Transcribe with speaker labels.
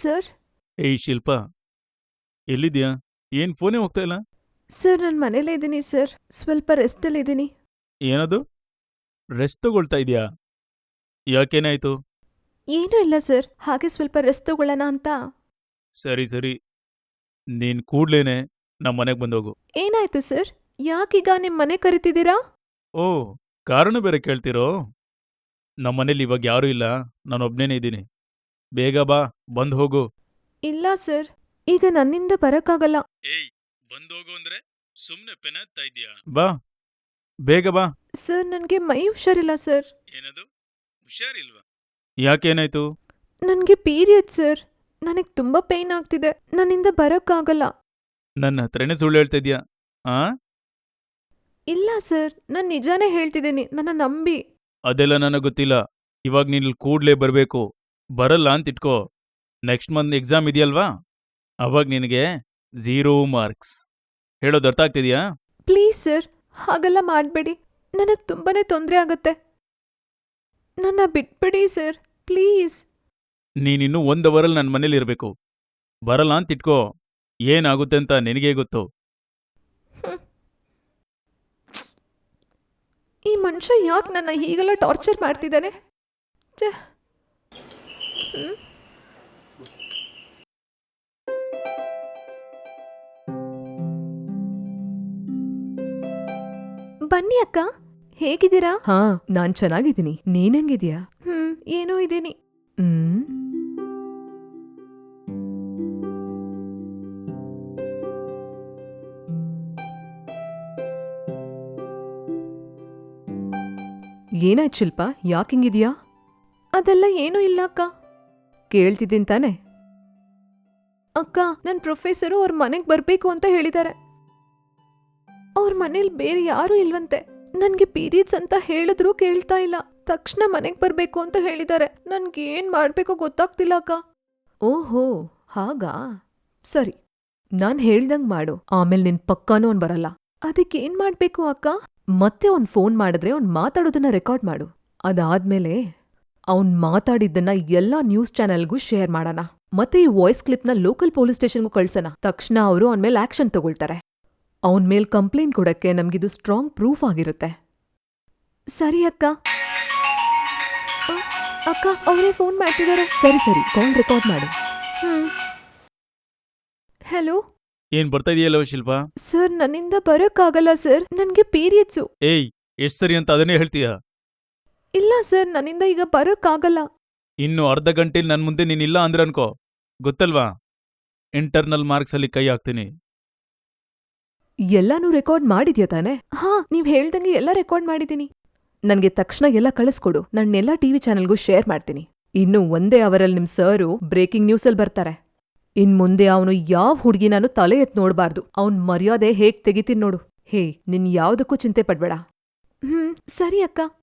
Speaker 1: Sir.
Speaker 2: ಏಯ್ ಶಿಲ್ಪಾ, ಎಲ್ಲಿದ್ಯಾ? ಏನ್ ಫೋನೇ ಹೋಗ್ತಾ ಇಲ್ಲ?
Speaker 1: ಸರ್ ನಾನು ಮನೇಲೇ ಇದ್ದೀನಿ ಸರ್. ಸ್ವಲ್ಪ ರೆಸ್ಟಲ್ಲಿದ್ದೀನಿ.
Speaker 2: ಏನದು? ರೆಸ್ಟ್ ತಗೊಳ್ತಾ ಇದ್ಯಾ? ಯಾಕೇನಾಯ್ತು?
Speaker 1: ಏನೂ ಇಲ್ಲ ಸರ್, ಹಾಗೆ ಸ್ವಲ್ಪ ರೆಸ್ಟ್ ತಗೊಳ್ಳೋಣ ಅಂತ.
Speaker 2: ಸರಿ ಸರಿ, ನೀನ್ ಕೂಡ್ಲೇನೆ ನಮ್ಮ ಮನೆಗ್ ಬಂದೋಗು.
Speaker 1: ಏನಾಯ್ತು ಸರ್? ಯಾಕೀಗ ನಿಮ್ ಮನೆ ಕರಿತಿದ್ದೀರಾ?
Speaker 2: ಓ, ಕಾರಣ ಬೇರೆ ಕೇಳ್ತಿರೋ? ನಮ್ಮನೇಲಿ ಇವಾಗ ಯಾರೂ ಇಲ್ಲ, ನಾನೊಬ್ನೇನೇ ಇದ್ದೀನಿ. ಬೇಗ ಬಾ, ಬಂದ್ ಹೋಗು.
Speaker 1: ಇಲ್ಲ ಸರ್, ಈಗ ನನ್ನಿಂದ ಬರಕ್ಕಾಗಲ್ಲ.
Speaker 2: ಏಯ್, ಬಂದೋಗು ಅಂದ್ರೆ ಸುಮ್ನೆ ಪೆನಾಗ್ತಾ ಇದ್ಯಾ? ಬಾ, ಬೇಗ ಬಾ.
Speaker 1: ಸರ್ ನನಗೆ ಮೈ ಹುಷಾರಿಲ್ಲ ಸರ್.
Speaker 2: ಏನದು? ಹುಷಾರಿಲ್ವಾ? ಯಾಕೇನಾಯ್ತು?
Speaker 1: ನನಗೆ ಪೀರಿಯಡ್ ಸರ್. ನನಗೆ ತುಂಬಾ ಪೇಯ್ನ್ ಆಗ್ತಿದೆ. ನನ್ನಿಂದ ಬರಕ್ಕಾಗಲ್ಲ.
Speaker 2: ನನ್ನ ಹತ್ರನೇ ಸುಳ್ಳು ಹೇಳ್ತಾ ಇದ್ಯಾ? ಆ?
Speaker 1: ಇಲ್ಲ ಸರ್, ನಾನು ನಿಜಾನೇ ಹೇಳ್ತಿದ್ದೀನಿ, ನನ್ನ ನಂಬಿ.
Speaker 2: ಅದೆಲ್ಲ ನನಗ್ ಗೊತ್ತಿಲ್ಲ. ಇವಾಗ ನೀನ್ ಇಲ್ಲಿ ಕೂಡ್ಲೇ ಬರ್ಬೇಕು. ಬರಲ್ಲ ಅಂತಿಟ್ಕೋ, ನೆಕ್ಸ್ಟ್ ಮಂತ್ ಎಕ್ಸಾಮ್ ಇದೆಯಲ್ವಾ, ಅವಾಗ ನಿನಗೆ 0 ಮಾರ್ಕ್ಸ್. ಹೇಳೋದು ಅರ್ಥ ಆಗ್ತಿದ್ಯಾ?
Speaker 1: ಪ್ಲೀಸ್ ಸರ್, ಹಾಗೆಲ್ಲ ಮಾಡಬೇಡಿ. ನನಗೆ ತುಂಬಾನೇ ತೊಂದರೆ ಆಗತ್ತೆ. ನನ್ನ ಬಿಟ್ಬಿಡಿ ಸರ್, ಪ್ಲೀಸ್.
Speaker 2: ನೀನಿನ್ನೂ 1 ಅವರಲ್ಲಿ ನನ್ನ ಮನೇಲಿ ಇರಬೇಕು. ಬರಲ್ಲ ಅಂತಿಟ್ಕೋ, ಏನಾಗುತ್ತೆ ಅಂತ ನಿನಗೇ ಗೊತ್ತು.
Speaker 1: ಹ್ಮ್. ಈ ಮನುಷ್ಯ ಯಾಕೆ ನನ್ನ ಹೀಗೆಲ್ಲ ಟಾರ್ಚರ್ ಮಾಡ್ತಿದ್ದಾನೆ? ಛೆ. ಹ್ಮ್. ಬನ್ನಿ ಅಕ್ಕ, ಹೇಗಿದ್ದೀರಾ?
Speaker 3: ಹಾ, ನಾನ್ ಚೆನ್ನಾಗಿದ್ದೀನಿ. ನೀನ್ ಹೆಂಗಿದ್ಯಾ?
Speaker 1: ಏನೋ ಇದ್ದೀನಿ.
Speaker 3: ಹ್ಮ್ ಏನಾಯ್ತು ಶಿಲ್ಪ, ಯಾಕಿಂಗಿದ್ಯಾ?
Speaker 1: ಅದೆಲ್ಲ ಏನೂ ಇಲ್ಲ ಅಕ್ಕ.
Speaker 3: ಕೇಳ್ತಿದ್ದೀನಿ ತಾನೆ.
Speaker 1: ಅಕ್ಕ, ನನ್ನ ಪ್ರೊಫೆಸರು ಅವ್ರ ಮನೆಗೆ ಬರಬೇಕು ಅಂತ ಹೇಳಿದ್ದಾರೆ. ಅವ್ರ ಮನೇಲಿ ಬೇರೆ ಯಾರೂ ಇಲ್ವಂತೆ. ನನಗೆ ಪೀರಿಯಡ್ಸ್ ಅಂತ ಹೇಳಿದ್ರೂ ಕೇಳ್ತಾ ಇಲ್ಲ. ತಕ್ಷಣ ಮನೆಗೆ ಬರಬೇಕು ಅಂತ ಹೇಳಿದ್ದಾರೆ. ನನ್ಗೇನ್ ಮಾಡ್ಬೇಕೋ ಗೊತ್ತಾಗ್ತಿಲ್ಲ ಅಕ್ಕ.
Speaker 3: ಓಹೋ, ಹಾಗಾ? ಸರಿ, ನಾನ್ ಹೇಳ್ದಂಗ್ ಮಾಡು. ಆಮೇಲೆ ನಿನ್ ಪಕ್ಕಾನೂ ಅವ್ನ್ ಬರಲ್ಲ.
Speaker 1: ಅದಕ್ಕೇನ್ ಮಾಡ್ಬೇಕು ಅಕ್ಕ?
Speaker 3: ಮತ್ತೆ ಅವ್ನ್ ಫೋನ್ ಮಾಡಿದ್ರೆ ಅವ್ನ್ ಮಾತಾಡೋದನ್ನ ರೆಕಾರ್ಡ್ ಮಾಡು. ಅದಾದ್ಮೇಲೆ ಅವ್ನ್ ಮಾತಾಡಿದ್ದನ್ನ ಎಲ್ಲಾ ನ್ಯೂಸ್ ಚಾನೆಲ್ಗೂ ಶೇರ್ ಮಾಡೋಣ. ಮತ್ತೆ ಈ ವಾಯ್ಸ್ ಕ್ಲಿಪ್ನ ಲೋಕಲ್ ಪೊಲೀಸ್ ಸ್ಟೇಷನ್ಗೂ ಕಳ್ಸೋಣ. ತಕ್ಷಣ ಅವರು ಅವನ್ ಮೇಲೆ ಆಕ್ಷನ್ ತಗೊಳ್ತಾರೆ. ಅವನ್ ಮೇಲ್ ಕಂಪ್ಲೇಂಟ್ ಕೊಡಕ್ಕೆ ನಮ್ಗಿದು ಸ್ಟ್ರಾಂಗ್ ಪ್ರೂಫ್ ಆಗಿರುತ್ತೆ.
Speaker 1: ಸರಿ ಅಕ್ಕ. ಅಕ್ಕ, ಅವರೇ ಫೋನ್ ಮಾಡ್ತಿದ್ದಾರೆ.
Speaker 3: ಸರಿ ಸರಿ, ಕಾಲ್ ರೆಕಾರ್ಡ್ ಮಾಡು.
Speaker 1: ಹಲೋ
Speaker 2: ಏನ್ ಬರ್ತಾ ಇದೆಯಲ್ಲೋ ಶಿಲ್ಪಾ?
Speaker 1: ಸರ್, ನನ್ನಿಂದ ಬರೋಕ್ಕಾಗಲ್ಲ ಸರ್. ನನಗೆ ಪೀರಿಯಡ್ಸು.
Speaker 2: ಏಯ್, ಎಷ್ಟ್ ಸರಿ ಅಂತ ಅದನ್ನೇ ಹೇಳ್ತೀಯಾ?
Speaker 1: ಇಲ್ಲ ಸರ್, ನನ್ನಿಂದ ಈಗ ಬರೋಕ್ಕಾಗಲ್ಲ.
Speaker 2: ಇನ್ನು ಅರ್ಧ ಗಂಟೆಲಿ ನನ್ ಮುಂದೆ ನೀನಿಲ್ಲ ಅಂದ್ರೆ ಅನ್ಕೋ, ಗೊತ್ತಲ್ವಾ, ಇಂಟರ್ನಲ್ ಮಾರ್ಕ್ಸಲ್ಲಿ ಕೈ ಹಾಕ್ತೀನಿ.
Speaker 3: ಎಲ್ಲಾನೂ ರೆಕಾರ್ಡ್ ಮಾಡಿದ್ಯಾ ತಾನೆ?
Speaker 1: ಹಾ, ನೀವ್ ಹೇಳ್ದಂಗೆ ಎಲ್ಲ ರೆಕಾರ್ಡ್ ಮಾಡಿದ್ದೀನಿ.
Speaker 3: ನನ್ಗೆ ತಕ್ಷಣ ಎಲ್ಲ ಕಳಿಸ್ಕೊಡು. ನನ್ನೆಲ್ಲಾ ಟಿವಿ ಚಾನೆಲ್ಗೂ ಶೇರ್ ಮಾಡ್ತೀನಿ. ಇನ್ನು ಒಂದೇ ಅವರಲ್ಲಿ ನಿಮ್ ಸರು ಬ್ರೇಕಿಂಗ್ ನ್ಯೂಸಲ್ಲಿ ಬರ್ತಾರೆ. ಇನ್ ಮುಂದೆ ಅವನು ಯಾವ್ ಹುಡ್ಗಿನಾನು ತಲೆ ಎತ್ ನೋಡ್ಬಾರ್ದು. ಅವ್ನ್ ಮರ್ಯಾದೆ ಹೇಗ್ ತೆಗಿತೀನಿ ನೋಡು. ಹೇ, ನಿನ್ ಯಾವ್ದಕ್ಕೂ ಚಿಂತೆ ಪಡ್ಬೇಡ.
Speaker 1: ಸರಿ ಅಕ್ಕ.